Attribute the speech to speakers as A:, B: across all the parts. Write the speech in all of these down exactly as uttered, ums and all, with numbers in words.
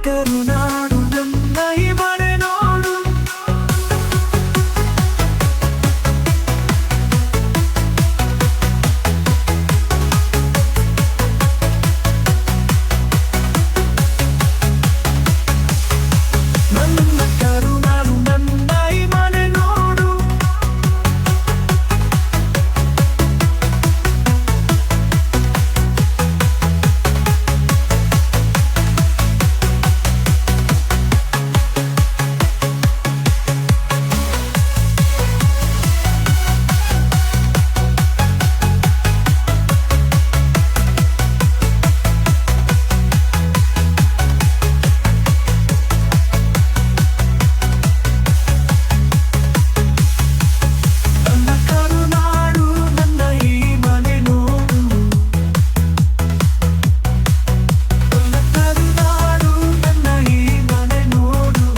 A: ಕರುನಾಡು ನನ್ನ ಈ ಮನೆ ನೋಡು. ನನ್ನ ಕರುನಾಡು ನನ್ನ ಈ ಮನೆ ನೋಡು. ನನ್ನ ಕರುನಾಡು ನನ್ನ ಈ ಮನೆ ನೋಡು. ನನ್ನ ಕರುನಾಡು ನನ್ನ ಈ ಮನೆ ನೋಡು.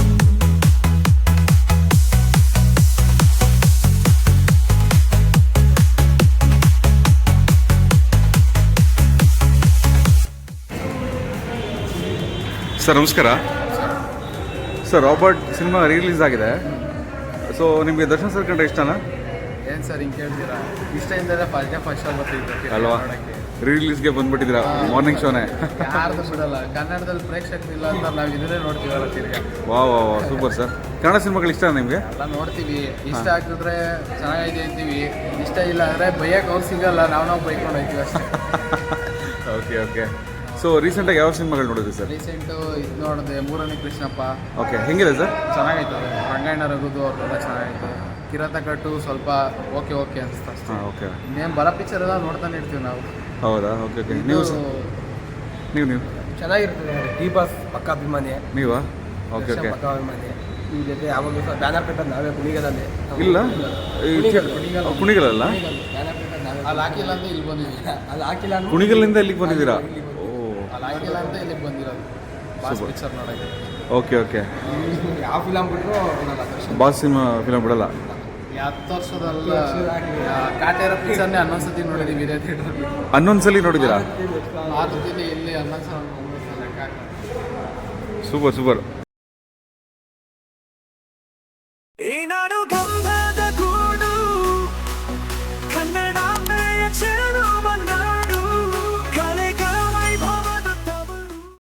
B: ಸರ್ ನಮಸ್ಕಾರ. ಸರ್ ರಾಬರ್ಟ್ ಸಿನಿಮಾ ರಿಲೀಸ್ ಆಗಿದೆ. ಸೊ ನಿಮಗೆ ದರ್ಶನ್ ಸರ್ ಕಂಡ್ರೆ ಇಷ್ಟನಾ?
C: ಏನು ಸರ್ ಹಿಂಗೆ ಕೇಳ್ತೀರಾ? ಇಷ್ಟ ಇಲ್ದರೆ ಫಸ್ಟ್ ಡೇ ಫಸ್ಟ್ ಶೋ ಬರ್ತಿದ್ದೆ
B: ಅಲ್ವಾ? ರಿಲೀಸ್ಗೆ ಬಂದ್ಬಿಟ್ಟಿದ್ದೀರಾ ಮಾರ್ನಿಂಗ್ ಶೋನೇ.
C: ಯಾರ್ದು ಬಿಡಲ್ಲ. ಕನ್ನಡದಲ್ಲಿ ಪ್ರೇಕ್ಷಕರಿಲ್ಲ ಅಂತ ನಾವು ಇದನ್ನೇ ನೋಡ್ತೀವಲ್ಲ ತಿರ್ಗಾ.
B: ವಾ ವಾ ವಾ ಸೂಪರ್ ಸರ್. ಕನ್ನಡ ಸಿನಿಮಾಗಳು ಇಷ್ಟ ನಿಮಗೆ?
C: ಎಲ್ಲ ನೋಡ್ತೀವಿ. ಇಷ್ಟ ಆಗ್ತಿದ್ರೆ ಚೆನ್ನಾಗಿದೆ ಅಂತೀವಿ, ಇಷ್ಟ ಇಲ್ಲ ಅಂದರೆ ಬೈಯಕ್ಕೆ ಅವ್ರು ಸಿಗಲ್ಲ, ನಾವು ನಾವು ಬೈಕೊಂಡು ಹೋಗ್ತೀವಿ ಅಷ್ಟೇ.
B: Okay okay. ಸೊ ರೀಸೆಂಟಾಗಿ ಯಾವ ಸಿನಿಮಾಗಳು ನೋಡಿದ್ರಿ ಸರ್?
C: ರೀಸೆಂಟು ಇದು ನೋಡಿದೆ, ಮೂರನೇ ಕೃಷ್ಣಪ್ಪ.
B: ಓಕೆ, ಹೆಂಗಿದೆ ಸರ್?
C: ಚೆನ್ನಾಗೈತೆ ಅದು. ರಂಗಾಯಣ ರಘುದು ಅವ್ರದ್ದೆಲ್ಲ ಚೆನ್ನಾಗೈತೆ. ಕಿರಾತ ಕಟ್ಟು ಸ್ವಲ್ಪ ಓಕೆ ಓಕೆ ಅನಿಸ್ತಾ ಅಷ್ಟೇ.
B: ಹಾಂ ಓಕೆ.
C: ಇನ್ನೇನು ಬರೋ ಪಿಕ್ಚರ್ ಎಲ್ಲ ನೋಡ್ತಾನೆ ಇರ್ತೀವಿ ನಾವು.
B: ಹೌದಾ? Okay okay. ನೀವು
C: ಇದು
B: ನೀವು ನೀವು
D: ಚೆನ್ನಾಗಿರ್ತದೆ. ಡಿ ಬಾಸ್ ಪಕ್ಕ ಅಭಿಮಾನಿ,
B: ನೀವಾ? Okay okay.
D: ಪಕ್ಕ ಅಭಿಮಾನಿ. ಈ ಜೊತೆ ಯಾವಾಗಲೂ ಸಹ ಬ್ಯಾನರ್ ಕಟ್ಟೋದು ನಾವೇ ಕುಣಿಗಲಲ್ಲಿ.
B: ಇಲ್ಲ ಈ
D: ಕುಣಿಗಲ್,
B: ಕುಣಿಗಲ್- ಕುಣಿಗಲಲ್ಲ?
D: ಬ್ಯಾನರ್ ಕಟ್ಟೋದು ನಾವೇ.
C: ಅಲ್ಲಿ ಹಾಕಿಲ್ಲ ಅಂತ ಇಲ್ಲಿ ಬಂದಿದ್ದೀವಿ.
D: ಅಲ್ಲಿ ಹಾಕಿಲ್ಲ ಅಂದ್ರೆ
B: ಕುಣಿಗಲ್ಲಿಂದ ಇಲ್ಲಿಗೆ ಬಂದಿದ್ದೀರಾ? ಓ
C: ಅಲ್ಲಿ ಹಾಕಿಲ್ಲ ಅಂತ ಇಲ್ಲಿಗೆ ಬಂದಿರೋದು ಬಾಸ್
B: Super.
C: ಪಿಕ್ಚರ್ ನೋಡೋಕ್ಕೆ.
B: Okay okay.
D: ಯಾವ ಫಿಲಮ್ ಬಿಟ್ಟರು ನೋಡಲ್ಲ ದರ್ಶನ್.
B: ಬಾಸ್ ಸಿನಿಮಾ ಫಿಲಮ್ ಬಿಡಲ್ಲ?
C: ಈ ಹತ್ತು ವರ್ಷದಲ್ಲ ಕಾಟೇರ ಪಿಕ್ಚರ್ನೇ ಹನ್ನೊಂದು ಸತಿ ನೋಡಿದ್ದೀವಿ ಇದೇ ಥಿಯೇಟ್ರಲ್ಲಿ.
B: ಹನ್ನೊಂದು ಸಲ ನೋಡಿದ್ದೀರಾ?
C: ಆ ಜೊತೆಲಿ ಇಲ್ಲಿ ಹನ್ನೊಂದು ಸಲ ಲೆಕ್ಕ ಹಾಕ್ತಾರೆ.
B: Super super.